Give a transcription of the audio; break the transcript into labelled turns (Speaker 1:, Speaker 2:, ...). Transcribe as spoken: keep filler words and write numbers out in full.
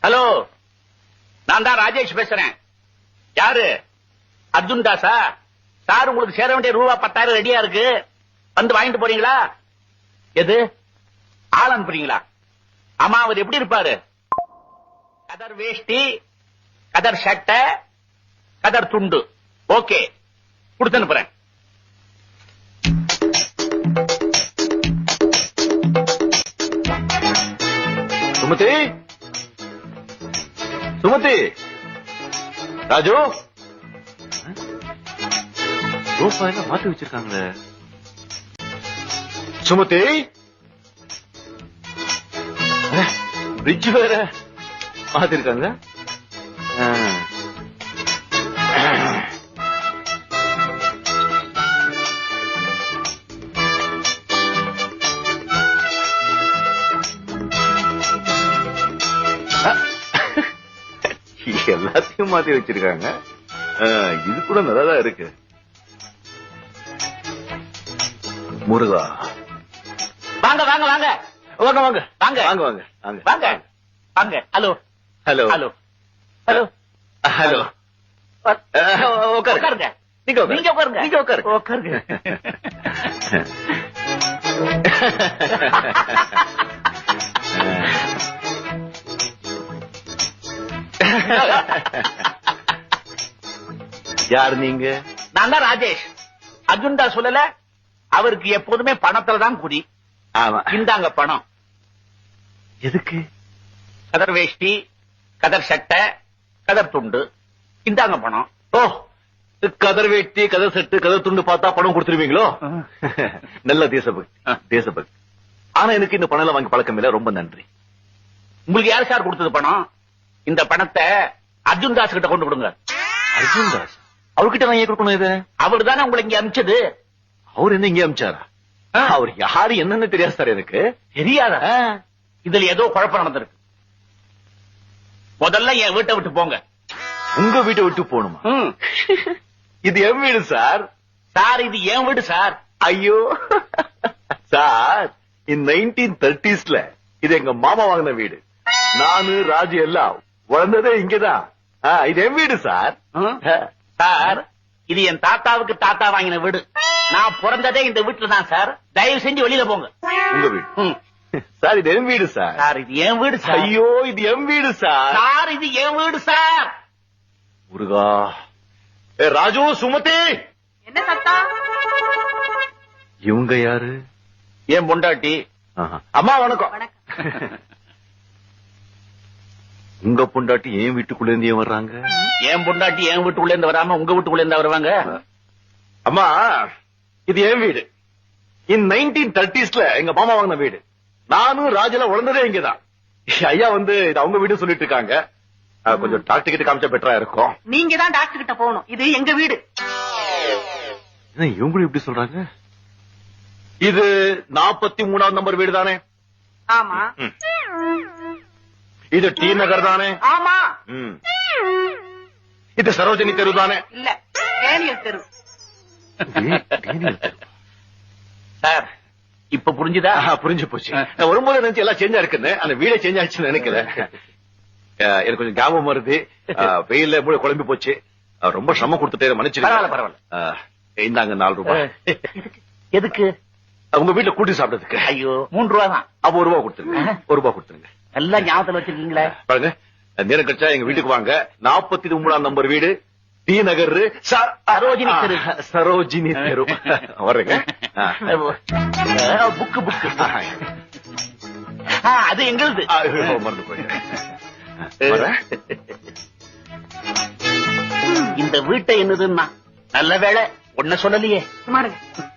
Speaker 1: Hello, நான் தான் ராஜேஷ் பேசுறேன். யாரு? அர்ஜுன் தாஸா? சார் உங்களுக்கு சேர வேண்டிய ரூபா பத்தாயிரம் ரெடியா இருக்கு, வந்து வாங்கிட்டு போறீங்களா? எது ஆள் அனுப்புறீங்களா? ஆமா, அவர் எப்படி இருப்பாரு? கதர் வேஷ்டி, கதர் சட்டை, கதர் துண்டு. ஓகே, கொடுத்து அனுப்புறேன்.
Speaker 2: சுமதி, சுமதி, ராஜு, ரோப்பா எல்லாம் மாத்தி வச்சிருக்காங்களே. சுமதி, பிரிட்ஜ் வேற மாத்திருக்காங்க. எல்லாத்தையும் மாத்தி வச்சிருக்காங்க. இது கூட நல்லாதான் இருக்கு. முருகா,
Speaker 1: வாங்க வாங்க வாங்க
Speaker 2: வாங்க வாங்க
Speaker 1: வாங்க
Speaker 2: வாங்க வாங்க வாங்க
Speaker 1: வாங்க வாங்க. Hello
Speaker 2: hello
Speaker 1: hello hello
Speaker 2: hello.
Speaker 1: உட்காருங்க.
Speaker 2: நீங்க
Speaker 1: நீங்க உட்காருங்க.
Speaker 2: நீங்க உட்காருங்க.
Speaker 1: உட்காருங்க.
Speaker 2: யார் நீங்க?
Speaker 1: நான் தான் ராஜேஷ். அர்ஜுன் தாஸ் சொல்லல, அவருக்கு எப்போதுமே பணத்துல தான் குறி.
Speaker 2: ஆமா.
Speaker 1: இந்தாங்க பணம்.
Speaker 2: எதுக்கு?
Speaker 1: கதர் வேஷ்டி, கதர் சட்டை, கதர் துண்டு. இந்தாங்க பணம்.
Speaker 2: ஓ, கதர் வேட்டி, கதர் செட்டு, கதர் துண்டு பார்த்தா பணம் கொடுத்துருவீங்களோ? நல்ல தேசபக்தி, தேசபக்தி. ஆனா எனக்கு இந்த பணம் வாங்கி பழக்கம் இல்ல. ரொம்ப நன்றி.
Speaker 1: உங்களுக்கு யார் சார் கொடுத்தது பணம்? இந்த பணத்தை அர்ஜுன் தாஸ் கிட்ட கொண்டு கொடுங்க.
Speaker 2: அர்ஜுன் தாஸ்? அவர்கிட்ட நான் ஏன் கொடுக்கணும்? இது
Speaker 1: அவர் தானே உங்களை இங்க அனுப்பிச்சது.
Speaker 2: அவர் என்ன இங்க அனுப்பிச்சாரா? அவர் யாரு என்னன்னு தெரியாது சார் எனக்கு.
Speaker 1: தெரியாதா? இதுல ஏதோ குழப்பம் நடந்திருக்கு. முதல்ல என் வீட்டை விட்டு போங்க.
Speaker 2: உங்க வீட்டை விட்டு போகணுமா? இது என் வீடு சார்.
Speaker 1: சார், இது என் வீடு சார்.
Speaker 2: ஐயோ சார், இந்த நைன்டீன் தேர்ட்டிஸ்ல இது எங்க மாமா வாங்கின வீடு. நானு ராஜு எல்லாம் வளர்ந்ததே இங்கதான். இது என் வீடு சார்.
Speaker 1: சார், இது என் தாத்தாவுக்கு தாத்தா வாங்கின வீடு. நான் பிறந்ததே இந்த வீட்டுல தான் சார். தயவு செஞ்சு வெளியில போங்க.
Speaker 2: உங்க வீடு சார்? இது என் வீடு சார்.
Speaker 1: சார், இது என் வீடு சார்.
Speaker 2: ஐயோ, இது என் வீடு சார்.
Speaker 1: சார், இது என் வீடு சார்.
Speaker 2: முருகா. ஏ ராஜு, சுமதி.
Speaker 3: என்ன சத்தா?
Speaker 2: இவங்க யாரு?
Speaker 1: என் பொண்டாட்டி.
Speaker 2: அம்மா வணக்கம். உங்க பொண்டாட்டி ஏன் வீட்டுக்குள்ள இருந்து ஏன் வர்றாங்க?
Speaker 1: என் பொண்டாட்டி என் வீட்டுக்குள்ள இருந்து வராம உங்க வீட்டுக்குள்ள இருந்து வருவாங்க?
Speaker 2: அம்மா, இது என் வீடு. இன் நைன்டீன் தேர்ட்டிஸ்ல எங்க மாமா வாங்கின வீடு. நானும் ராஜுல வளர்ந்ததே இங்கதான். ஐயா வந்து இது அவங்க வீடு சொல்லிட்டு இருக்காங்க. கொஞ்சம் டாக்டர் கிட்ட காமிச்சா பெட்டரா இருக்கும்.
Speaker 3: நீங்க தான் டாக்டர் கிட்ட போகணும். இது எங்க வீடு.
Speaker 2: இவங்களும் இப்படி சொல்றாங்க. இது நாற்பத்தி மூணாவது நம்பர் வீடு தானே?
Speaker 3: ஆமா.
Speaker 2: இது டி நகர் தானே?
Speaker 3: ஆமா.
Speaker 2: இது சரோஜினி தெரு தானே?
Speaker 3: இல்ல, டேனியல் தெரு.
Speaker 1: சார், இப்ப புரிஞ்சுதா?
Speaker 2: புரிஞ்சு போச்சு. நான் வரும்போது நினைச்சு எல்லாம் சேஞ்சா இருக்குன்னு, அந்த வீடே சேஞ்ச் ஆச்சுன்னு நினைக்கிறேன். எனக்கு கொஞ்சம் ஞாபகம் வருது. வெயில மூளை குழம்பி போச்சு. ரொம்ப சிரமம் கொடுத்துட்டே மன்னிச்சு.
Speaker 1: பரவாயில்ல பரவாயில்ல.
Speaker 2: இந்தாங்க நாலு ரூபாய்.
Speaker 1: எதுக்கு?
Speaker 2: உங்க வீட்டுல கூட்டி சாப்பிட்டதுக்கு.
Speaker 1: ஐயோ, மூன்று ரூபா தான்.
Speaker 2: அப்ப ஒரு ரூபா கொடுத்துருங்க. ஒரு ரூபா கொடுத்துருங்க.
Speaker 1: நல்லா ஞாபகத்துல வச்சிருக்கீங்களே.
Speaker 2: பாருங்க, நேரம் கழிச்சா எங்க வீட்டுக்கு வாங்க. நாற்பத்தி மூணாம் நம்பர் வீடு, டி நகர், சரோஜினி தெரு. சரோஜினி தெரு. வர்றேங்க.
Speaker 1: புக்கு புக்கு அது எங்களுது.
Speaker 2: மறந்து போயிட்டேன்.
Speaker 1: இந்த வீட்டை என்னதுன்னா நல்ல வேலை ஒன்ன சொல்லலையே.
Speaker 3: சுமாருங்க.